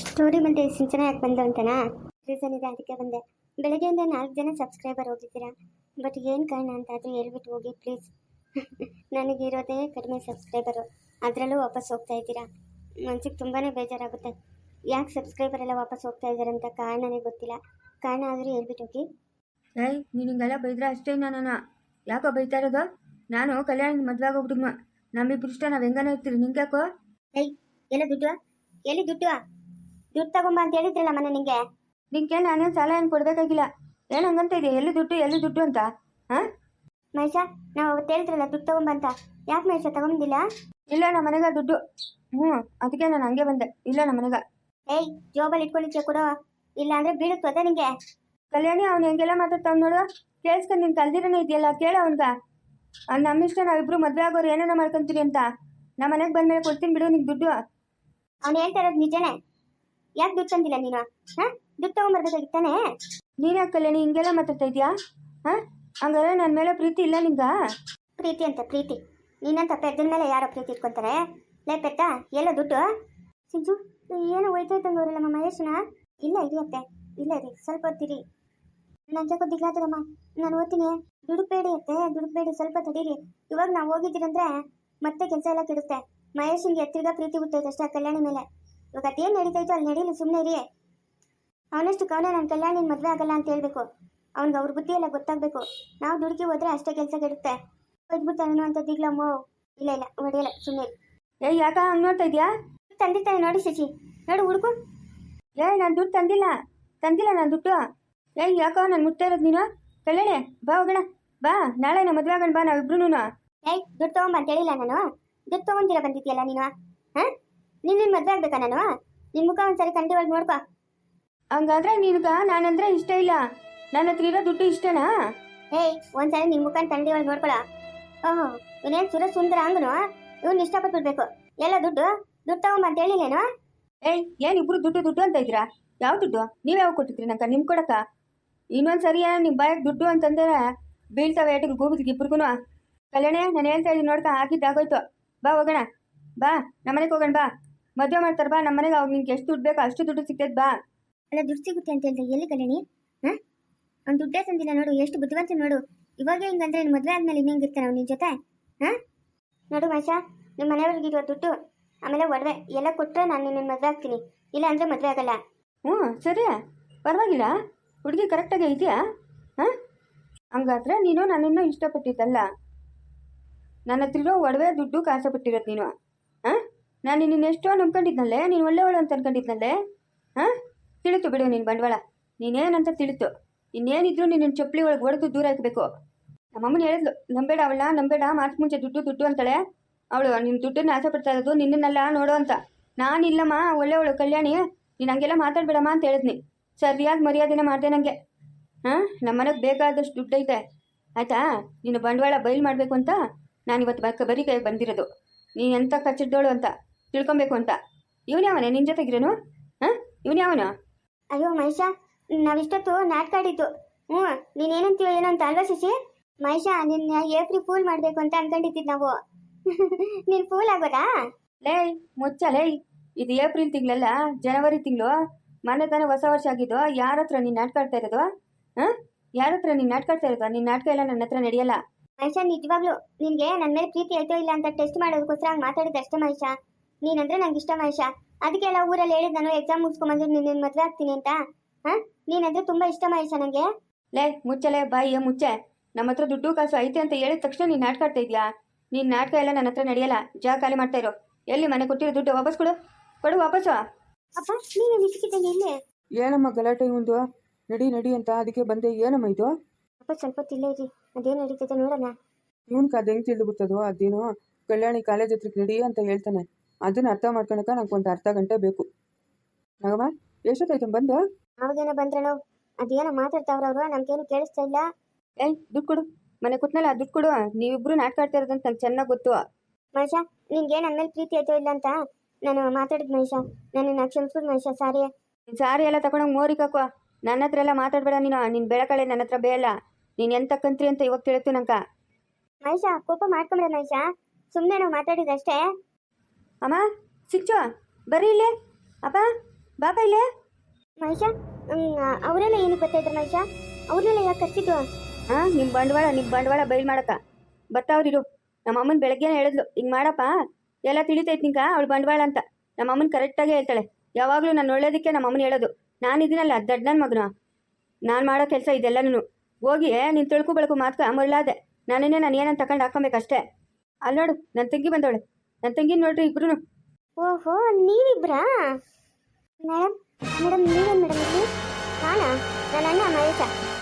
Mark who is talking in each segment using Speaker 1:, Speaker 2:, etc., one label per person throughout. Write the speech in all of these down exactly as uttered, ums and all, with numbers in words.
Speaker 1: Story ಮತ್ತೆ ಸಿಂಚನ ಯಾಕೆ ಬಂದು ಅಂತನಾ ರೀಸನ್ ಇದೆ, ಅದಕ್ಕೆ ಬಂದೆ. ಬೆಳಗ್ಗೆಯಿಂದ ನಾಲ್ಕು ಜನ ಸಬ್ಸ್ಕ್ರೈಬರ್ ಹೋಗಿದ್ದೀರಾ, ಬಟ್ ಏನು ಕಾರಣ ಅಂತ ಆದರೂ ಹೇಳ್ಬಿಟ್ಟು ಹೋಗಿ ಪ್ಲೀಸ್. ನನಗಿರೋದೇ ಕಡಿಮೆ ಸಬ್ಸ್ಕ್ರೈಬರು, ಅದರಲ್ಲೂ ವಾಪಸ್ ಹೋಗ್ತಾ ಇದ್ದೀರಾ. ಮನ್ಸಿಗೆ ತುಂಬಾ ಬೇಜಾರಾಗುತ್ತೆ. ಯಾಕೆ ಸಬ್ಸ್ಕ್ರೈಬರ್ ಎಲ್ಲ ವಾಪಸ್ ಹೋಗ್ತಾ ಇದ್ದಾರೆ ಅಂತ ಕಾರಣನೇ ಗೊತ್ತಿಲ್ಲ. ಕಾರಣ ಆದರೂ ಹೇಳ್ಬಿಟ್ಟು ಹೋಗಿ.
Speaker 2: ಏಯ್ ನೀನು ಹಿಂಗೆಲ್ಲ ಬೈದ್ರೆ ಅಷ್ಟೇ. ನಾನು ಯಾಕೋ ಬೈತಾ ಇರೋದು? ನಾನು ಕಲ್ಯಾಣ ಮದುವೆ ಆಗೋಗ್ಬಿಟ್ಟಿದ್ಮ, ನಮ್ಮಿಬ್ರು ಇಷ್ಟ, ನಾವು ಹೆಂಗನ ಇರ್ತೀರಿ. ನಿಂಗೆ ಯಾಕೋ?
Speaker 1: ಏಯ್ ಎಲ್ಲ ದುಡ್ಡು ಎಲ್ಲಿ ದುಡ್ಡು ದುಡ್ಡು ತಗೊಂಬ ಅಂತ ಹೇಳಿದ್ರಲ್ಲ ಮನೆ ನಿಂಗೆ.
Speaker 2: ನಿಂಗೆ ನಾನೇನು ಸಾಲ ಏನು ಕೊಡಬೇಕಾಗಿಲ್ಲ. ಏನು ಹಂಗಂತ ಇದೆಯಾ? ಎಲ್ಲಿ ದುಡ್ಡು ಎಲ್ಲಿ ದುಡ್ಡು ಅಂತ? ಹಾಂ
Speaker 1: ಮಹೇಶ, ನಾವು ಅವತ್ತು ಹೇಳಿದ್ರಲ್ಲ ದುಡ್ಡು ತಗೊಂಬ ಅಂತ, ಯಾಕೆ ಮಹೇಶ ತಗೊಂಡಿಲ್ಲ?
Speaker 2: ಇಲ್ಲ ನಮ್ಮ ಮನೆಗ ದುಡ್ಡು. ಹ್ಞೂ ಅದಕ್ಕೆ ನಾನು ಹಂಗೆ ಬಂದೆ. ಇಲ್ಲ ನಮ್ಮ ಮನೆಗ.
Speaker 1: ಏಯ್ ಜೋಬಲ್ಲಿ ಇಟ್ಕೊಂಡಿದ್ಯಾ ಕೊಡೋ, ಇಲ್ಲ ಅಂದ್ರೆ ಬೀಳುತ್ತದ ನಿಂಗೆ.
Speaker 2: ಕಲ್ಯಾಣಿ ಅವ್ನು ಹೆಂಗೆಲ್ಲ ಮಾತಾಡ್ತಾವ್ ನೋಡು. ಕೇಳಿಸ್ಕೊಂಡು ನೀನು ಕಲ್ದಿರನೇ ಇದೆಯಲ್ಲ, ಕೇಳ ಅವನ್ಗ. ಅವ್ನು ನಮ್ಮಿಷ್ಟ, ನಾವಿಬ್ರು ಮದುವೆ ಆಗೋರು ಏನೇನೋ ಮಾಡ್ಕೊಂತೀರಿ ಅಂತ. ನಮ್ಮ ಮನೆಗೆ ಬಂದ್ಮೇಲೆ ಕೊಡ್ತೀನಿ ಬಿಡು ನಿಂಗೆ ದುಡ್ಡು.
Speaker 1: ಅವ್ನು ಹೇಳ್ತಾ ಇರೋದು ನಿಜನೇ. ಯಾಕೆ ದುಡ್ಡು ತಂದಿಲ್ಲ ನೀನು? ಹಾಂ ದುಡ್ಡು ತಗೊಂಬರ್ಬೇಕಾಗಿತ್ತಾನೆ.
Speaker 2: ನೀನು ಯಾಕೆ ಕಲ್ಯಾಣಿ ಹಿಂಗೆಲ್ಲ ಮಾತಾಡ್ತಾ ಇದೆಯಾ? ಹಾಂ ಹಂಗಾರೆ ನನ್ನ ಮೇಲೆ ಪ್ರೀತಿ ಇಲ್ಲ ನಿಂಗ?
Speaker 1: ಪ್ರೀತಿ ಅಂತ ಪ್ರೀತಿ? ನೀನಂತ ಪೆದ್ದನ ಮೇಲೆ ಯಾರೋ ಪ್ರೀತಿ ಇಟ್ಕೊತಾರೆ? ಲೇ ಪೆದ್ದ, ಎಲ್ಲ ದುಡ್ಡು? ಸಿಂಜು ಏನೋ ಹೋಯ್ತಾ ಇದ್ದಂಗೆ ಅವರಲ್ಲ ನಮ್ಮ ಮಹೇಶನ. ಇಲ್ಲ ಇರಿಯತ್ತೆ, ಇಲ್ಲ ಇರಿ, ಸ್ವಲ್ಪ ಹೊತ್ತಿರಿ. ನನ್ನ ಜೊತೆ ದಿಗ್ಲಾತದಮ್ಮ, ನಾನು ಓದ್ತೀನಿ. ದುಡುಕ್ಬೇಡಿ ಅತ್ತೆ, ದುಡುಕ್ಬೇಡಿ, ಸ್ವಲ್ಪ ತಡೀರಿ. ಇವಾಗ ನಾವು ಹೋಗಿದ್ದೀರಂದ್ರೆ ಮತ್ತೆ ಕೆಲಸ ಎಲ್ಲ ಕೆಡುತ್ತೆ. ಮಹೇಶನ್ಗೆ ತಿರ್ಗಾ ಪ್ರೀತಿ ಹುಟ್ಟೈತೆ ಅಷ್ಟೇ ಕಲ್ಯಾಣಿ ಮೇಲೆ. ಇವಾಗ ಅದೇನು ನಡೀತಾಯ್ತು ಅಲ್ಲಿ ನಡೀಲಿ, ಸುಮ್ಮನೆ ಇರಿ. ಅವನಷ್ಟು ಕವನ ನಾನು ಕಲ್ಯಾಣಿನ ಮದುವೆ ಆಗಲ್ಲ ಅಂತ ಹೇಳ್ಬೇಕು. ಅವ್ನಿಗೆ ಅವ್ರ ಬುದ್ಧಿ ಎಲ್ಲ ಗೊತ್ತಾಗಬೇಕು. ನಾವು ದುಡುಕಿ ಹೋದ್ರೆ ಅಷ್ಟೇ ಕೆಲಸ ಕೆಡುತ್ತೆ. ಹೊದ್ಬಿಡ್ತಾನೇನೋ ಅಂತ ದಿಗ್ಲಮ್ಮ. ಇಲ್ಲ ಇಲ್ಲ ಹೊಡೆಯಲ್ಲ, ಸುಮ್ಮನೆ ಇರಿ.
Speaker 2: ಏಯ್ ಯಾಕ ಹಂಗೆ ನೋಡ್ತಾ ಇದೆಯಾ?
Speaker 1: ತಂದಿರ್ತಾನೆ ನೋಡಿ ಶಶಿ, ನೋಡು ಹುಡುಕು.
Speaker 2: ಏಯ್ ನಾನು ದುಡ್ಡು ತಂದಿಲ್ಲ, ತಂದಿಲ್ಲ ನಾನು ದುಡ್ಡು. ಏಯ್ ಯಾಕೋ ನಾನು ಮುಟ್ತಾ ಇರೋದು ನೀನು? ಕಲ್ಯಾಣಿ ಬಾ ಹೋಗೋಣ, ಬಾ ನಾಳೆ ನಮ್ಮ ಮದುವೆ ಆಗೋಣ, ಬಾ ನಾವಿಬ್ರು.
Speaker 1: ಏಯ್ ದುಡ್ಡು ತಗೊಂಬ ಅಂತ ಹೇಳಿಲ್ಲ ನಾನು. ದುಡ್ಡು ತಗೊಂತೀರ ಬಂದಿದ್ಯಲ್ಲ ನೀನು. ಹಾಂ ನಿನ್ನ ನಿನ್ನ ಮದುವೆ ಆಗ್ಬೇಕಾ ನಾನು? ನಿನ್ನ ಮುಖ ಒಂದ್ಸರಿ ಕಂಡಿ ಒಳಗೆ ನೋಡ್ಕೊ.
Speaker 2: ಹಂಗಾದ್ರೆ ನಿನ್ಗ ನಾನಂದ್ರೆ ಇಷ್ಟ ಇಲ್ಲ, ನನ್ನ ಹತ್ರ ಇರೋ ದುಡ್ಡು ಇಷ್ಟನಾ?
Speaker 1: ಏಯ್ ಒಂದ್ಸರಿ ನಿನ್ನ ಮುಖ ತಂಡಿ ಒಳಗೆ ನೋಡ್ಕೊಳ. ಓಹೋ ಇವನೇನು ಸುರ ಸುಂದರ ಹಂಗನು, ಇವ್ನು ಇಷ್ಟಪಟ್ಬಿಡ್ಬೇಕು. ಎಲ್ಲ ದುಡ್ಡು ದುಡ್ಡು ತಗೊಂಬ ಅಂತ ಹೇಳಿಲ್ಲೇನು?
Speaker 2: ಏಯ್ ಏನು ಇಬ್ರು ದುಡ್ಡು ದುಡ್ಡು ಅಂತ ಇದ್ದೀರಾ? ಯಾವ ದುಡ್ಡು? ನೀವು ಯಾವ ಕೊಟ್ಟಿದ್ರಿ ನಂಗೆ? ನಿಮ್ಗೆ ಕೊಡಕ್ಕ? ಇನ್ನೊಂದು ಸರಿ ನಿಮ್ಮ ಬಾಯಿಗೆ ದುಡ್ಡು ಅಂತಂದ್ರೆ ಬೀಳ್ತಾವೆ ಏಟಿಗೆ ಗೂಬಿದ್ಗೆ ಇಬ್ರಿಗೂ. ಕಲ್ಯಾಣಿ ನಾನು ಹೇಳ್ತಾ ಇದ್ದೀನಿ ನೋಡ್ಕ, ಹಾಕಿದ್ದಾಗೋಯ್ತು. ಬಾ ಹೋಗೋಣ, ಬಾ ನಮ್ಮ ಮನೆಗೆ ಹೋಗೋಣ, ಬಾ ಮದುವೆ ಮಾಡ್ತಾರೆ, ಬಾ ನಮ್ಮ ಮನೆಗೆ. ಅವಾಗ ನಿನ್ಗೆ ಎಷ್ಟು ದುಡ್ಡು ಬೇಕೋ ಅಷ್ಟು ದುಡ್ಡು ಸಿಗ್ತೈತೆ, ಬಾ.
Speaker 1: ಅಲ್ಲ ದುಡ್ಡು ಸಿಗುತ್ತೆ ಅಂತ ಹೇಳ್ದೆ, ಎಲ್ಲಿ ಕಲ್ಯಾಣಿ? ಹಾಂ ಅವ್ನು ದುಡ್ಡೇ ತಂದಿಲ್ಲ ನೋಡು, ಎಷ್ಟು ಬುದ್ಧಿವಂತ ನೋಡು. ಇವಾಗ ಹಿಂಗಂದ್ರೆ ನಿನ್ನ ಮದುವೆ ಆದ್ಮೇಲೆ ಇನ್ನೂ ಹಿಂಗಿರ್ತಾನೆ ಅವ್ನು ನಿನ್ನ ಜೊತೆ? ಹಾಂ ನೋಡು ಮಹೇಶ, ನಿಮ್ಮ ಮನೆಯವ್ರಿಗಿರುವ ದುಡ್ಡು ಆಮೇಲೆ ಒಡವೆ ಎಲ್ಲ ಕೊಟ್ಟರೆ ನಾನು ನಿನ್ನ ಮದುವೆ ಆಗ್ತೀನಿ, ಇಲ್ಲ ಅಂದರೆ ಮದುವೆ ಆಗಲ್ಲ.
Speaker 2: ಹ್ಞೂ ಸರಿ, ಪರವಾಗಿಲ್ಲ. ಹುಡುಗಿ ಕರೆಕ್ಟಾಗಿ ಇದೆಯಾ? ಹಾಂ ಹಂಗಾದ್ರೆ ನೀನು ನನ್ನನ್ನು ಇಷ್ಟಪಟ್ಟಿದ್ದಲ್ಲ, ನನ್ನ ಹತ್ರ ಇರೋ ಒಡವೆ ದುಡ್ಡು ಕಾಸಪಟ್ಟಿರೋದು ನೀನು. ಹಾಂ ನಾನು ನಿನ್ನ ಎಷ್ಟೋ ನಂಬ್ಕೊಂಡಿದ್ನಲ್ಲೇ, ನೀನು ಒಳ್ಳೆಯವಳು ಅಂತ ಅನ್ಕೊಂಡಿದ್ನಲ್ಲೇ. ಹಾಂ ತಿಳಿತು ಬಿಡು ನಿನ್ನ ಬಂಡವಾಳ, ನೀನೇನಂತ ತಿಳಿತು. ಇನ್ನೇನಿದ್ರು ನಿನ್ನ ಚಪ್ಪಲಿ ಒಳಗೆ ಹೊಡೆದು ದೂರ ಹಾಕಬೇಕು. ನಮ್ಮಮ್ಮನ ಹೇಳಿದ್ಲು, ನಂಬೇಡ ಅವಳ, ನಂಬೇಡ, ಮಾರ್ಚ್ ಮುಂಚೆ ದುಡ್ಡು ದುಡ್ಡು ಅಂತಾಳೆ ಅವಳು. ನಿನ್ನ ದುಡ್ಡನ್ನು ಆಸೆ ಪಡ್ತಾ ಇರೋದು ನಿನ್ನನ್ನೆಲ್ಲ ನೋಡೋ ಅಂತ. ನಾನಿಲ್ಲಮ್ಮ, ಒಳ್ಳೆಯವಳು ಕಲ್ಯಾಣಿ, ನೀನು ಹಂಗೆಲ್ಲ ಮಾತಾಡ್ಬೇಡಮ್ಮ ಅಂತ ಹೇಳಿದ್ನಿ. ಸರಿಯಾಗಿ ಮರ್ಯಾದೆನ ಮಾಡಿದೆ ನನಗೆ. ಹಾಂ ನಮ್ಮ ಮನೆಗೆ ಬೇಕಾದಷ್ಟು ದುಡ್ಡು ಐತೆ ಆಯಿತಾ. ನೀನು ಬಂಡವಾಳ ಬಯಲು ಮಾಡಬೇಕು ಅಂತ ನಾನು ಇವತ್ತು ಬಕ್ಕ ಬರೀ ಕೈಗೆ ಬಂದಿರೋದು. ನೀನು ಎಂಥ ಕಚ್ಚಿದ್ದೋಳು ಅಂತ ತಿಳ್ಕೊಬೇಕು ಅಂತ. ಇವನು ಯಾವನೇ ನಿನ್ನ ಜೊತೆಗಿರೋನು? ಹಾಂ ಇವನು ಯಾವನು?
Speaker 1: ಅಯ್ಯೋ ಮಹೇಶ, ನಾವಿಷ್ಟೊತ್ತು ನಾಟಕ ಆಡಿದ್ದು. ಹ್ಞೂ ನೀನೇನಂತೀವೋ ಏನೋ ಅಂತ ಅಲ್ವಾ ಶಶಿ? ಮಹೇಶ ನಿನ್ನ ಏಪ್ರಿ ಫೂಲ್ ಮಾಡಬೇಕು ಅಂತ ಅನ್ಕೊಂಡಿದ್ದು ನಾವು. ನೀನು ಫೂಲ್ ಆಗೋದಾ?
Speaker 2: ಲೇ ಮುಚ್ಚ ಲೇ, ಇದು ಏಪ್ರಿಲ್ ತಿಂಗಳಲ್ಲ, ಜನವರಿ ತಿಂಗಳು. ಮೊನ್ನೆ ತಾನೇ ಹೊಸ ವರ್ಷ ಆಗಿದ್ದು. ಯಾರ ಹತ್ರ ನೀನು ನಾಟಕ ಆಡ್ತಾ ಇರೋದು? ಹಾಂ ಯಾರ ಹತ್ರ ನೀನು ನಾಟಕ ಆಡ್ತಾ ಇರೋದು? ನಿನ್ನ ನಾಟಕ ಎಲ್ಲ ನನ್ನ ಹತ್ರ ನಡೆಯಲ್ಲ.
Speaker 1: ಮಹೇಶ ನಿಜವಾಗ್ಲು ನಿನಗೆ ನನ್ನ ಮೇಲೆ ಪ್ರೀತಿ ಆಯ್ತೋ ಇಲ್ಲ ಅಂತ ಟೆಸ್ಟ್ ಮಾಡೋದಕ್ಕೋಸ್ಕರ ಹಂಗೆ ಮಾತಾಡಿದ್ದು ಅಷ್ಟೇ ಮಹೇಶ. ನೀನಂದ್ರೆ ನಂಗೆ ಇಷ್ಟ ಮಹೇಶ, ಅದಕ್ಕೆ ಎಲ್ಲ ಊರಲ್ಲಿ ಹೇಳಿದ್ದು ನಾನು ಎಕ್ಸಾಮ್ ಮುಗಿಸ್ಕೊಂಬಂದ್ರೆ ನಿನ್ನ ಮದುವೆ ಆಗ್ತೀನಿ ಅಂತ. ಹಾಂ ನೀನಂದ್ರೆ ತುಂಬ ಇಷ್ಟ ಮಹೇಶ ನನಗೆ.
Speaker 2: ಲೇ ಮುಚ್ಚಲೇ ಬಾಯಿ ಮುಚ್ಚೆ. ನಮ್ಮ ಹತ್ರ ದುಡ್ಡು ಕಾಸು ಐತೆ ಅಂತ ಹೇಳಿದ ತಕ್ಷಣ ನೀನು ನಾಟಕ ಆಡ್ತಾ ಇದೆಯಾ? ನೀನು ನಾಟಕ ಎಲ್ಲ ನನ್ನ ಹತ್ರ ನಡೆಯಲ್ಲ. ಜಾಗ ಖಾಲಿ ಮಾಡ್ತಾ ಇರೋ. ಎಲ್ಲಿ ಮನೆ ಕೊಟ್ಟಿರೋ ದುಡ್ಡು ವಾಪಸ್ ಕೊಡು, ಕೊಡು ವಾಪಸ್ಸು.
Speaker 1: ಅಪ್ಪ ನೀನು ನಿಂತಿದ್ದಂಗೆ ಇಲ್ಲಿ
Speaker 3: ಏನಮ್ಮ ಗಲಾಟೆ ಒಂದು? ನಡಿ ನಡಿ ಅಂತ ಅದಕ್ಕೆ ಬಂದೆ. ಏನಮ್ಮ ಇದು?
Speaker 1: ಅಪ್ಪ ಸ್ವಲ್ಪ ತಿಲ್ಲ ಇರಿ, ಅದೇನು ನಡೀತದೆ ನೋಡೋಣ.
Speaker 3: ಇವನ್ಗೆ ಅದು ಹೆಂಗೆ ತಿಳಿದು ಬಿಡ್ತದೋ? ಅದೇನೋ ಕಲ್ಯಾಣಿ ಕಾಲೇಜ್ ಹತ್ರಕ್ಕೆ ನಡಿ ಅಂತ ಹೇಳ್ತಾನೆ. ಅದನ್ನು ಅರ್ಥ ಮಾಡ್ಕೊಳಕ ನಂಗೆ ಒಂದು ಅರ್ಧ ಗಂಟೆ ಬೇಕು. ನಾಗಮ್ಮ ಎಷ್ಟೊತ್ತಾಯ್ತು ಬಂದು?
Speaker 1: ಅವಾಗೇನೋ ಬಂದ್ರೇನೋ, ಅದೇನೋ ಮಾತಾಡ್ತಾವ್ರ ಅವರು, ನಮ್ಗೇನು ಕೇಳಿಸ್ತಾ ಇಲ್ಲ.
Speaker 2: ಏಯ್ ದುಡ್ಡು ಕೊಡು, ಮನೆ ಕೊಟ್ಟನಲ್ಲ ದುಡ್ಡು ಕೊಡು. ನೀವಿಬ್ರು ನಾಟಕ ಆಡ್ತಾ ಇರೋದಂತ ನಂಗೆ ಚೆನ್ನಾಗಿ ಗೊತ್ತು.
Speaker 1: ಮಹೇಶ ನಿನ್ಗೆ ನನ್ನ ಮೇಲೆ ಪ್ರೀತಿ ಆಯ್ತೋ ಇಲ್ಲ ಅಂತ ನಾನು ಮಾತಾಡಿದ್ ಮಹೇಶ, ನನ್ನ ಕ್ಷಮಿಸ್ಬಿಡು ಮಹೇಶ. ಸಾರಿ.
Speaker 2: ಸಾರಿ ಎಲ್ಲ ತಗೊಂಡೋಗಿ ಮೋರಿಗೆ ಹಾಕುವ. ನನ್ನ ಹತ್ರ ಎಲ್ಲ ಮಾತಾಡಬೇಡ ನೀನು. ನಿನ್ನ ಬೆಳಕಳೆ ನನ್ನ ಹತ್ರ ಬೇಯಲ್ಲ. ನೀನು ಎಂತ ಕಂತ್ರಿ ಅಂತ ಇವಾಗ ತಿಳಿತು ನಂಗೆ.
Speaker 1: ಮಹೇಶ ಕೋಪ ಮಾಡ್ಕೊಂಬಿಡ ಮಹೇಶ, ಸುಮ್ಮನೆ ನಾವು ಮಾತಾಡಿದಷ್ಟೇ.
Speaker 2: ಅಮ್ಮ ಸಿಚ್ಚು ಬರ್ರಿ ಇಲ್ಲಿ. ಅಪ್ಪ ಬಾಪ ಇಲ್ಲೇ.
Speaker 1: ಮಹೇಶ ಅವರೆಲ್ಲ ಏನಕ್ಕೆ ಬರ್ತಾ ಇದ್ರು ಮಹೇಶ? ಅವ್ರನ್ನೆಲ್ಲ ಯಾಕೆ ಕರ್ಸಿದ್ದು?
Speaker 2: ಹಾಂ ನಿಮ್ಮ ಬಂಡವಾಳ ನಿಮ್ಮ ಬಂಡವಾಳ ಬಯಲು ಮಾಡಕ್ಕ ಬರ್ತಾವ್ರಿರು. ನಮ್ಮ ಅಮ್ಮನ ಬೆಳಗ್ಗೆನೇ ಹೇಳಿದ್ಲು ಹಿಂಗೆ ಮಾಡಪ್ಪ ಎಲ್ಲ ತಿಳಿತೈತೆ ನಿಂಕ ಅವಳು ಬಂಡವಾಳ ಅಂತ. ನಮ್ಮ ಅಮ್ಮನ ಕರೆಕ್ಟಾಗಿ ಹೇಳ್ತಾಳೆ. ಯಾವಾಗಲೂ ನಾನು ಒಳ್ಳೇದಕ್ಕೆ ನಮ್ಮ ಅಮ್ಮನ ಹೇಳೋದು. ನಾನು ಇದೀನಲ್ಲ ದಡ್ಡ ನನ್ನ ಮಗನ, ನಾನು ಮಾಡೋ ಕೆಲಸ ಇದೆಲ್ಲನೂ. ಹೋಗಿ ನೀನು ತಿಳ್ಕೊ ಬೆಳಕು ಮಾತ್ಕ ಮರಳಾದೆ. ನಾನೇನೇ ನಾನು ಏನಂತ ತಗೊಂಡು ಹಾಕೊಬೇಕಷ್ಟೇ. ಅಲ್ಲಿ ನೋಡು ನನ್ನ ತಂಗಿ ಬಂದವಳೆ. ನನ್ನ ತಂಗಿ ನೋಡ್ರಿ ಇಬ್ರು.
Speaker 1: ಓಹೋ ನೀವಿಬ್ರಾ? ಮೇಡಮ್ ಮೇಡಮ್ ನೀವೇನು ಮೇಡಮ್ ಇಲ್ಲಿ? ನಾನಾ? ನನ್ನ ಅಣ್ಣ ಮಹೇಶ.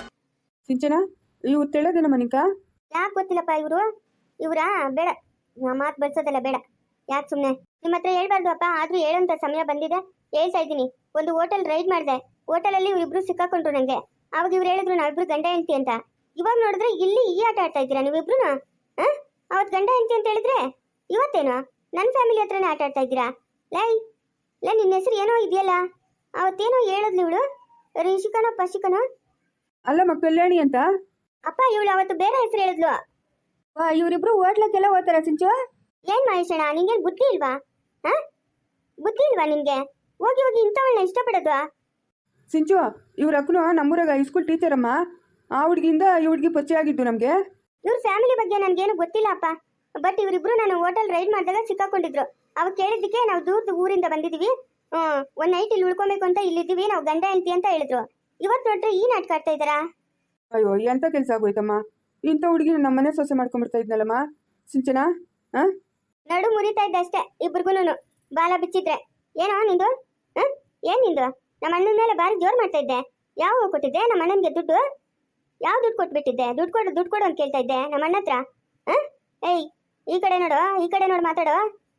Speaker 3: ಸಿಂಚನ ಇವು ತೆಳದೇನಮ್ಮ ನಿಂಕ?
Speaker 1: ಯಾಕೆ ಗೊತ್ತಿಲ್ಲಪ್ಪ ಇವರು? ಇವರಾ? ಬೇಡ ಮಾತು ಬಡ್ಸೋದಲ್ಲ ಬೇಡ. ಯಾಕೆ ಸುಮ್ಮನೆ ನಿಮ್ಮ ಹತ್ರ ಹೇಳ್ಬಾರ್ದು ಅಪ್ಪ. ಆದರೂ ಹೇಳೋಂಥ ಸಮಯ ಬಂದಿದೆ, ಹೇಳ್ತಾ ಇದ್ದೀನಿ. ಒಂದು ಹೋಟೆಲ್ ರೈಡ್ ಮಾಡಿದೆ. ಹೋಟೆಲಲ್ಲಿ ಇವರಿಬ್ರು ಸಿಕ್ಕಾಕೊಂಡ್ರು ನನಗೆ. ಅವಾಗ ಇವ್ರು ಹೇಳಿದ್ರು ನಾವಿಬ್ರು ಗಂಡ ಹೆಂಡತಿ ಅಂತ. ಇವಾಗ ನೋಡಿದ್ರೆ ಇಲ್ಲಿ ಈ ಆಟ ಆಡ್ತಾ ಇದ್ದೀರಾ ನೀವಿಬ್ರು? ಹಾಂ ಅವತ್ತು ಗಂಡ ಹೆಂಡತಿ ಅಂತ ಹೇಳಿದ್ರೆ ಇವತ್ತೇನು ನನ್ನ ಫ್ಯಾಮಿಲಿ ಹತ್ರನೇ ಆಟ ಆಡ್ತಾ ಇದ್ದೀರಾ? ಲೈ ಲೈ ನಿನ್ನ ಹೆಸರು ಏನೋ ಇದೆಯಲ್ಲ, ಅವತ್ತೇನೋ ಹೇಳಿದ್ಲು ಇವಳು, ರಿಷಿಕನೋ ಪಶಿಕನೋ?
Speaker 3: ಅಲ್ಲಮ್ಮ ಕಲ್ಯಾಣಿ ಅಂತ.
Speaker 1: ಅಪ್ಪ ಇವಳು ಅವತ್ತು ಬೇರೆ ಹೆಸರು ಹೇಳಿದ್ಲು.
Speaker 2: ವಾ ಇವರಿಬ್ರು ಹೋಟ್ಲಕ್ಕೆಲ್ಲ ಹೋಗ್ತಾರ ಸಿಂಚು?
Speaker 1: ಏನ್ ಮಹೇಶಣ್ಣ ನಿಂಗೇನು ಬುದ್ಧಿ ಇಲ್ವಾ? ಹಾ ಬುದ್ಧಿ ಇಲ್ವಾ ನಿನ್ಗೆ? ಹೋಗಿ ಹೋಗಿ ಇಂಥವಳನ್ನ ಇಷ್ಟಪಡೋದು?
Speaker 3: ಸಿಂಚು ಇವ್ರ ಅಕ್ಕನು ನಮ್ಮೂರಾಗ ಹೈಸ್ಕೂಲ್ ಟೀಚರ್ ಅಮ್ಮ. ಆ ಹುಡುಗಿಯಿಂದ ಈ ಹುಡುಗಿ ಪರಿಚಯ ಆಗಿದ್ದು ನಮಗೆ.
Speaker 1: ಇವ್ರ ಫ್ಯಾಮಿಲಿ ಬಗ್ಗೆ ನನ್ಗೇನು ಗೊತ್ತಿಲ್ಲ ಅಪ್ಪ. ಬಟ್ ಇವರಿಬ್ರು ನಾನು ಹೋಟೆಲ್ ರೈಡ್ ಮಾಡಿದಾಗ ಸಿಕ್ಕಾಕೊಂಡಿದ್ರು. ಅವಾಗ ಕೇಳಿದ್ದಕ್ಕೆ ನಾವು ದೂರದ ಊರಿಂದ ಬಂದಿದ್ದೀವಿ, ಹ್ಮ್ ಒಂದ್ ನೈಟ್ ಇಲ್ಲಿ ಉಳ್ಕೊಬೇಕು ಅಂತ ಇಲ್ಲಿದ್ದೀವಿ, ನಾವು ಗಂಡ ಹೆಂಡತಿ ಅಂತ ಹೇಳಿದ್ರು. ಇವತ್ತು ನೋಡ್ರೆ ಈ ನಾಟಕ ಆಡ್ತಾ ಇದ್ದಾರಾ?
Speaker 3: ಅಯ್ಯೋ ಎಂತ ಕೆಲಸ ಆಗೋಯ್ತಮ್ಮ. ಇಂಥ ಹುಡುಗಿನ ನಮ್ಮ ಮನೆ ಸೊಸೆ ಮಾಡ್ಕೊಂಡ್ಬಿಡ್ತಾ ಇದ್ನಲ್ಲಮ್ಮ ಸಿಂಚನ. ಹಾ
Speaker 1: ನಡು ಮುರಿತಾ ಇದ್ದೆ ಅಷ್ಟೇ ಇಬ್ರಿಗೂನು. ಬಾಲ ಬಿಚ್ಚಿದ್ರೆ ಏನೋ ನಿಂದು? ಹ ಏನ್ ನಿಂದು? ನಮ್ಮ ಅಣ್ಣನ ಮೇಲೆ ಬಾರಿ ಜೋರ್ ಮಾಡ್ತಾ ಇದ್ದೆ. ಯಾವ ಕೊಟ್ಟಿದ್ದೆ ನಮ್ಮ ಅಣ್ಣನಿಗೆ ದುಡ್ಡು? ಯಾವ ದುಡ್ಡು ಕೊಟ್ಬಿಟ್ಟಿದ್ದೆ? ದುಡ್ಡು ಕೊಡು ದುಡ್ಡು ಕೊಡು ಅಂತ ಕೇಳ್ತಾ ಇದ್ದೆ ನಮ್ಮ ಅಣ್ಣ ಹತ್ರ. ಹ ಏಯ್ ಈ ಕಡೆ ನೋಡು, ಈ ಕಡೆ ನೋಡು ಮಾತಾಡು.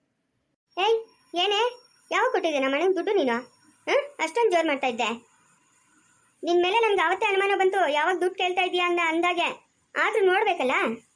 Speaker 1: ಏಯ್ ಏನೇ ಯಾವ ಕೊಟ್ಟಿದ್ದೆ ನಮ್ಮ ಅಣ್ಣನ ದುಡ್ಡು ನೀನು? ಹ ಅಷ್ಟೊಂದು ಜೋರ್ ಮಾಡ್ತಾ ಇದ್ದೆ. ನಿನ್ ಮೇಲೆ ನನ್ಗೆ ಅವತ್ತೇ ಅನುಮಾನ ಬಂತು, ಯಾವಾಗ ದುಡ್ಡು ಕೇಳ್ತಾ ಇದೀಯಾ ಅಂದ ಅಂದಾಗೆ. ಆದ್ರೂ ನೋಡ್ಬೇಕಲ್ಲ,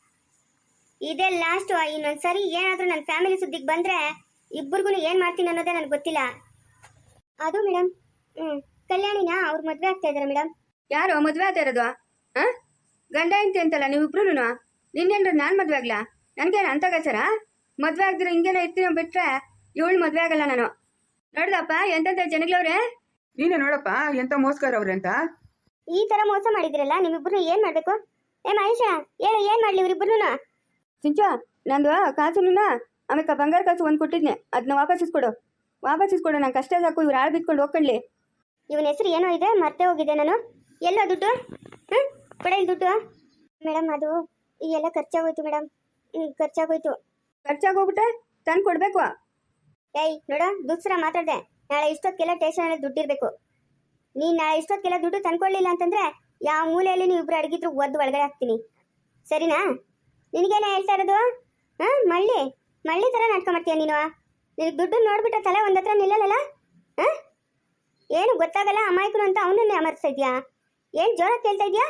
Speaker 1: ಇದೇ ಲಾಸ್ಟ್. ಇನ್ನೊಂದ್ಸರಿ ಏನಾದ್ರೂ ನನ್ನ ಫ್ಯಾಮಿಲಿ ಸುದ್ದಿಗೆ ಬಂದ್ರೆ ಇಬ್ಬರಿಗೂ ಏನ್ ಮಾಡ್ತೀನಿ ಅನ್ನೋದೇ ನನಗೆ ಗೊತ್ತಿಲ್ಲ. ಅದು ಮೇಡಮ್, ಹ್ಮ್ ಕಲ್ಯಾಣಿನ ಅವ್ರು ಮದ್ವೆ ಆಗ್ತಾ ಇದಾರೆ ಮೇಡಮ್.
Speaker 2: ಯಾರು ಮದುವೆ ಆಗ್ತಾ ಇರೋದು? ಹಾಂ ಗಂಡ ಹೆಂಡತಿ ಅಂತಲ್ಲ ನೀವಿಬ್ರು? ನಿನ್ನೇನ್ರ ನಾನು ಮದುವೆ ಆಗ್ಲಾ? ನನಗೇನು ಅಂತ ಗಾಚಾರ? ಮದುವೆ ಆಗ್ದಿರ ಹಿಂಗೇನೋ ಇರ್ತೀನೋ ಬಿಟ್ರೆ ಇವಳು ಮದುವೆ ಆಗಲ್ಲ ನಾನು. ನೋಡ್ದಪ್ಪ ಎಂತೆಂಥ ಜನಗಳವ್ರೆ.
Speaker 3: ನೀನೇ ನೋಡಪ್ಪ ಎಂತ ಮೋಸ್ಕಾರ ಅವ್ರೆ ಅಂತ.
Speaker 1: ಈ ತರ ಮೋಸ ಮಾಡಿದಿರಲ್ಲ, ನೀವಿಬ್ರು ಏನ್ ಮಾಡ್ಬೇಕು? ಏ ಮಹೇಶ ಹೇಳು, ಏನ್ ಮಾಡ್ಲಿ ಇವ್ರಿಬ್ರು?
Speaker 2: ಸಿಂಚು ನಂದು ಕಾಸುನ ಆಮೇಲೆ ಬಂಗಾರ ಕಾಸು ಒಂದು ಕೊಟ್ಟಿದ್ನೆ, ಅದನ್ನ ವಾಪಸ್ ಇಸ್ಕೊಡು. ವಾಪಸ್ ಇಸ್ಕೊಡು, ನಂಗೆ ಕಷ್ಟ ಸಾಕು. ಇವ್ರು ಆಳು ಬಿತ್ಕೊಂಡು ಹೋಗ್ಕೊಳ್ಳಿ.
Speaker 1: ಇವನ ಹೆಸರು ಏನೋ ಇದೆ, ಮರ್ತೇ ಹೋಗಿದೆ ನಾನು. ಎಲ್ಲೋ ದುಡ್ಡು? ಹ್ಮ್ ಕೊಡ ಇಲ್ಲಿ ದುಡ್ಡು. ಮೇಡಮ್ ಅದು ಈ ಎಲ್ಲ ಖರ್ಚಾಗೋಯ್ತು ಮೇಡಮ್. ಹ್ಮ್ ಖರ್ಚಾಗೋಯ್ತು.
Speaker 2: ಖರ್ಚಾಗೋಗ್ಬಿಟ್ರೆ ತಂದು ಕೊಡ್ಬೇಕು.
Speaker 1: ಏಯ್ ನೋಡ ದುಸ್ರ ಮಾತಾಡ್ದೆ. ನಾಳೆ ಇಷ್ಟೊತ್ತಿಗೆಲ್ಲ ಸ್ಟೇಷನಲ್ಲಿ ದುಡ್ಡು ಇರಬೇಕು. ನೀನು ನಾಳೆ ಇಷ್ಟೊತ್ತಿಗೆಲ್ಲ ದುಡ್ಡು ತಂದ್ಕೊಳ್ಳಿಲ್ಲ ಅಂತಂದ್ರೆ ಯಾವ ಮೂಲೆಯಲ್ಲಿ ನೀವು ಇಬ್ರು ಅಡಗಿದ್ರು ಒದ್ದು ಒಳಗಡೆ ಹಾಕ್ತೀನಿ, ಸರಿನಾ? ನಿನಗೇನೆ ಹೇಳ್ತಾ ಇರೋದು? ಹಾಂ ಮಳ್ಳಿ ಮಳ್ಳಿ ಥರ ನಾಟಕ ಮಾಡ್ತೀಯ ನೀನು. ನಿನಗೆ ದುಡ್ಡು ನೋಡ್ಬಿಟ್ರೆ ತಲೆ ಒಂದ್ ಹತ್ರ ನಿಲ್ಲಲ್ಲ. ಹಾಂ ಏನು ಗೊತ್ತಾಗಲ್ಲ ಅಮಾಯಕನು ಅಂತ ಅವನನ್ನೇ ಅಮರ್ಸ್ತಾ ಇದೆಯಾ? ಏನು ಜೋರಾಗಿ ಕೇಳ್ತಾ ಇದೆಯಾ?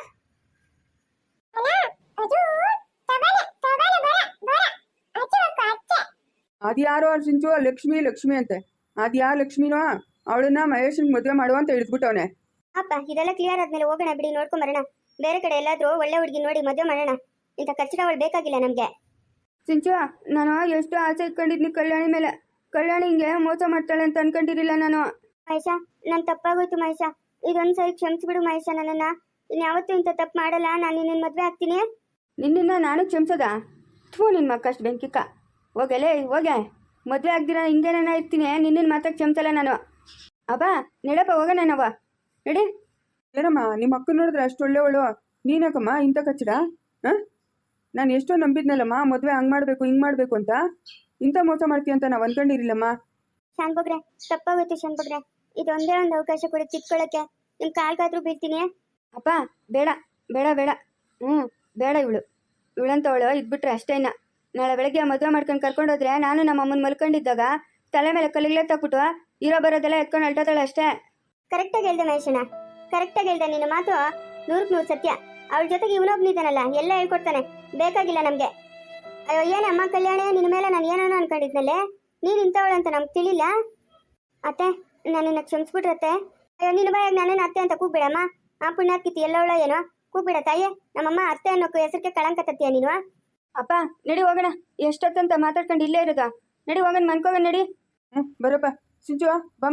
Speaker 3: ಅದ್ಯಾರೋ ಸಿಂಚು ಲಕ್ಷ್ಮಿ ಲಕ್ಷ್ಮಿ ಅಂತೆ. ಅದ್ಯಾ ಲಕ್ಷ್ಮಿನೋ ಅವಳನ್ನ ಮಹೇಶನ್ ಮದುವೆ ಮಾಡುವ ಅಂತ ಹಿಡಿದ್ಬಿಟ್ಟವನೆ.
Speaker 1: ಅಪ್ಪ ಇದೆಲ್ಲ ಕ್ಲಿಯರ್ ಆದ್ಮೇಲೆ ಹೋಗೋಣ ಬಿಡಿ, ನೋಡ್ಕೊಂಬರೋಣ. ಬೇರೆ ಕಡೆ ಎಲ್ಲಾದ್ರೂ ಒಳ್ಳೆ ಹುಡುಗಿ ನೋಡಿ ಮದುವೆ ಮಾಡೋಣ. ಇಂಥ ಖರ್ಚಿನ ಅವಳು ಬೇಕಾಗಿಲ್ಲ ನಮಗೆ.
Speaker 2: ಸಿಂಚು ನಾನು ಎಷ್ಟು ಆಸೆ ಇಟ್ಕೊಂಡಿದ್ನಿ ಕಲ್ಯಾಣಿ ಮೇಲೆ. ಕಲ್ಯಾಣಿ ಹಿಂಗೆ ಮೋಸ ಮಾಡ್ತಾಳೆ ಅಂತ ಅನ್ಕೊಂಡಿರಿಲ್ಲ ನಾನು.
Speaker 1: ಮಹೇಶ ನನ್ನ ತಪ್ಪಾಗೋಯ್ತು ಮಹೇಶ, ಇದೊಂದು ಸರಿ ಕ್ಷಮಿಸ್ಬಿಡು ಮಹೇಶ. ನನ್ನನ್ನು ಇನ್ಯಾವತ್ತೂ ಇಂಥ ತಪ್ಪು ಮಾಡಲ್ಲ. ನಾನು ನಿನ್ನ ಮದುವೆ ಆಗ್ತೀನಿ.
Speaker 2: ನಿನ್ನ ನಾನು ಕ್ಷಮಿಸೋದ? ಥೂ ನಿನ್ನ ಮಕ್ಕಷ್ಟು ಬೆಂಕಿಕ್ಕ. ಹೋಗಲೇ ಹೋಗೆ, ಮದುವೆ ಆಗ್ದಿರ ಹಿಂಗೇನ ಇರ್ತೀನಿ. ನಿನ್ನ ಮಾತ್ರ ಕ್ಷಮಿಸಲ್ಲ ನಾನು. ಅಬ್ಬಾ ನಡಪ್ಪ ಹೋಗೋಣ ನಾವ ನಡಿ.
Speaker 3: ಏನಮ್ಮ ನಿಮ್ಮ ಅಕ್ಕ ನೋಡಿದ್ರೆ ಅಷ್ಟು ಒಳ್ಳೆವಳು, ನೀನಾಕಮ್ಮ ಇಂಥ ಕಚ್ಚಡ? ಹಾಂ ನಾನು ಎಷ್ಟೋ ನಂಬಿದ್ನಲ್ಲಮ್ಮ ಮದುವೆ ಹಂಗೆ ಮಾಡಬೇಕು ಹಿಂಗೆ ಮಾಡಬೇಕು ಅಂತ. ಇಂಥ ಮೋಸ ಮಾಡ್ತೀಯ ಅಂತ ನಾವು ಅಂದ್ಕೊಂಡಿರಿಲ್ಲಮ್ಮ.
Speaker 1: ಶಾನ್ಭೋಗ್ರೆ ತಪ್ಪಾಗೋಯ್ತು ಶಾನ್ಭೋಗ್ರೆ. ಇದೊಂದೇ ಒಂದು ಅವಕಾಶ ಕೊಡಿ ತಿದ್ಕೊಳ್ಳೋಕ್ಕೆ. ನಿಮ್ಮ ಕಾಲ್ಗಾದ್ರೂ ಬೀಳ್ತೀನಿ.
Speaker 2: ಅಪ್ಪ ಬೇಡ ಬೇಡ ಬೇಡ. ಹ್ಞೂ ಬೇಡ. ಇವಳು ಇವಳಂತವಳು ಇದ್ಬಿಟ್ರೆ ಅಷ್ಟೇ. ಇನ್ನ ನಾಳೆ ಬೆಳಗ್ಗೆ ಮದುವೆ ಮಾಡ್ಕೊಂಡು ಕರ್ಕೊಂಡೋದ್ರೆ ನಾನು ನಮ್ಮ ಅಮ್ಮನ ಮಲ್ಕೊಂಡಿದ್ದಾಗ ತಲೆ ಮೇಲೆ ಕಲ್ಲಿಗ್ಲೆ ತಕ್ಬಿಟ್ಟು ಇರೋ ಬರೋದೆಲ್ಲ ಎತ್ಕೊಂಡು ಅಲ್ಟೋತಾಳೆ ಅಷ್ಟೇ.
Speaker 1: ಕರೆಕ್ಟಾಗಿ ಹೇಳ್ದೆ ಮಹೇಶಣ್ಣ, ಕರೆಕ್ಟಾಗಿ ಹೇಳ್ದೆ. ನಿನ್ನ ಮಾತು ನೂರಕ್ಕೆ ನೂರು ಸತ್ಯ. ಅವಳ ಜೊತೆಗೆ ಇವನೊಬ್ನಿದ್ದಾನಲ್ಲ ಎಲ್ಲ ಹೇಳ್ಕೊಡ್ತಾನೆ. ಬೇಕಾಗಿಲ್ಲ ನಮಗೆ. ಅಯ್ಯೋ ಏನೇ ಅಮ್ಮ ಕಲ್ಯಾಣ, ನಿನ್ನ ಮೇಲೆ ನಾನು ಏನೋ ಅನ್ಕೊಂಡಿದ್ನಲ್ಲೇ, ನೀನು ಇಂಥವಳಂತ ನಮ್ಗೆ ತಿಳಿಲ್ಲ. ಅತ್ತೆ ನನ್ನನ್ನು ಕ್ಷಮಿಸ್ಬಿಟ್ರತ್ತೆ. ಅಯ್ಯೋ ನಿನ್ನ ಬಾಯಾಗ ನನ್ನನ್ನು ಅತ್ತೆ ಅಂತ ಕೂಗ್ಬಿಡಮ್ಮ. ಆ ಪುಣ್ಯಾತ್ಕಿತಿ ಎಲ್ಲವಳೋ ಏನೋ ಕೂಗ್ಬಿಡ ತಾಯಿ. ನಮ್ಮಮ್ಮ ಅತ್ತೆ ಅನ್ನೋಕ್ಕೂ ಹೆಸರಿಗೆ ಕಳಂಕ ತತ್ತೀಯ ನೀನು.
Speaker 2: ಅಪ್ಪ ನಡಿ ಹೋಗೋಣ. ಎಷ್ಟೊತ್ತಂತ ಮಾತಾಡ್ಕೊಂಡು ಇಲ್ಲೇ ಇರೋದ? ನಡಿ ಹೋಗೋಣ ಮನ್ಕೋಗೋಣ ನಡಿ.
Speaker 3: ಹ್ಞೂ ಬರಪ್ಪ ಸಿಂಚು ಬಾಮ್ಮ.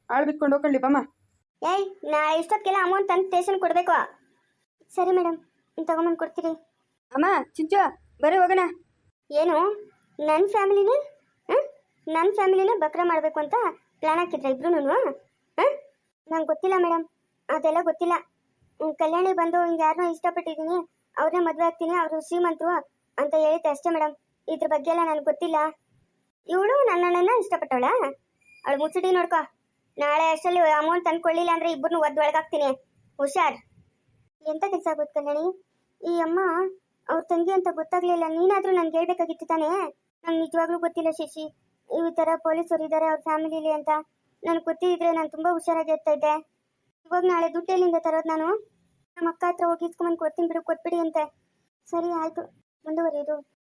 Speaker 3: ಆಳು ಬಿಟ್ಕೊಂಡು ಹೋಗ್ಕೊಳ್ಳಿ ಬಮ್ಮ.
Speaker 1: ಏಯ್ ನಾಳೆ ಇಷ್ಟೊತ್ತಿಗೆಲ್ಲ ಅಮೌಂಟ್ ತಂದು ಸ್ಟೇಷನ್ ಕೊಡಬೇಕು. ಸರಿ ಮೇಡಮ್ ತಗೊಂಬಂದು ಕೊಡ್ತೀರಿ.
Speaker 2: ಅಮ್ಮ ಚಿಂಚು ಬರೀ ಹೋಗೋಣ.
Speaker 1: ಏನು ನನ್ನ ಫ್ಯಾಮಿಲಿನೇ ಹಾಂ ನನ್ನ ಫ್ಯಾಮಿಲಿನೇ ಬಕ್ರ ಮಾಡಬೇಕು ಅಂತ ಪ್ಲ್ಯಾನ್ ಹಾಕಿದ್ರ ಇಬ್ರು ಹಾಂ ನಂಗೆ ಗೊತ್ತಿಲ್ಲ ಮೇಡಮ್, ಅದೆಲ್ಲ ಗೊತ್ತಿಲ್ಲ. ಹ್ಮ್, ಕಲ್ಯಾಣಿ ಬಂದು ಹಿಂಗೆ ಯಾರನ್ನೋ ಇಷ್ಟಪಟ್ಟಿದ್ದೀನಿ, ಅವ್ರನ್ನೇ ಮದುವೆ ಆಗ್ತೀನಿ, ಅವರು ಶ್ರೀಮಂತರು ಅಂತ ಹೇಳಿದ್ದೆ ಅಷ್ಟೇ ಮೇಡಮ್. ಇದ್ರ ಬಗ್ಗೆ ಎಲ್ಲ ನನಗೆ ಗೊತ್ತಿಲ್ಲ. ಇವಳು ನನ್ನಣ್ಣನ ಇಷ್ಟಪಟ್ಟವಳ, ಅವಳು ಮುಚ್ಚಡಿ ನೋಡ್ಕೊ. ನಾಳೆ ಅಷ್ಟರಲ್ಲಿ ಅಮೌಂಟ್ ತಂದ್ಕೊಳ್ಳಿಲ್ಲ ಅಂದರೆ ಇಬ್ಬರನ್ನೂ ಒದ್ದು ಒಳಗಾಗ್ತೀನಿ, ಹುಷಾರ್. ಎಂಥ ಕೆಲಸ ಆಗೋದು ಕಲ್ಯಾಣಿ? ಈ ಅಮ್ಮ ಅವ್ರ ತಂಗಿ ಅಂತ ಗೊತ್ತಾಗ್ಲಿಲ್ಲ, ನೀನಾದರೂ ನನಗೆ ಹೇಳ್ಬೇಕಾಗಿತ್ತು ತಾನೇ. ನಂಗೆ ನಿಜವಾಗ್ಲೂ ಗೊತ್ತಿಲ್ಲ ಶಶಿ, ಈ ಥರ ಪೊಲೀಸರು ಇದ್ದಾರೆ ಅವ್ರ ಫ್ಯಾಮಿಲಿಲಿ ಅಂತ. ನನಗೆ ಗೊತ್ತಿದ್ರೆ ನಾನು ತುಂಬ ಹುಷಾರಾಗಿ ಇರ್ತಾ ಇದ್ದೆ. ಇವಾಗ ನಾಳೆ ದುಡ್ಡು ಎಲ್ಲಿಂದ ತರೋದು ನಾನು? ನಮ್ಮ ಅಕ್ಕ ಹತ್ರ ಹೋಗಿ ಇಸ್ಕೊಂಬಂದು ಕೊಡ್ತೀನಿ ಬಿಡು, ಕೊಟ್ಬಿಡಿ ಅಂತೆ. ಸರಿ ಆಯಿತು, ಮುಂದುವರಿಯೋದು.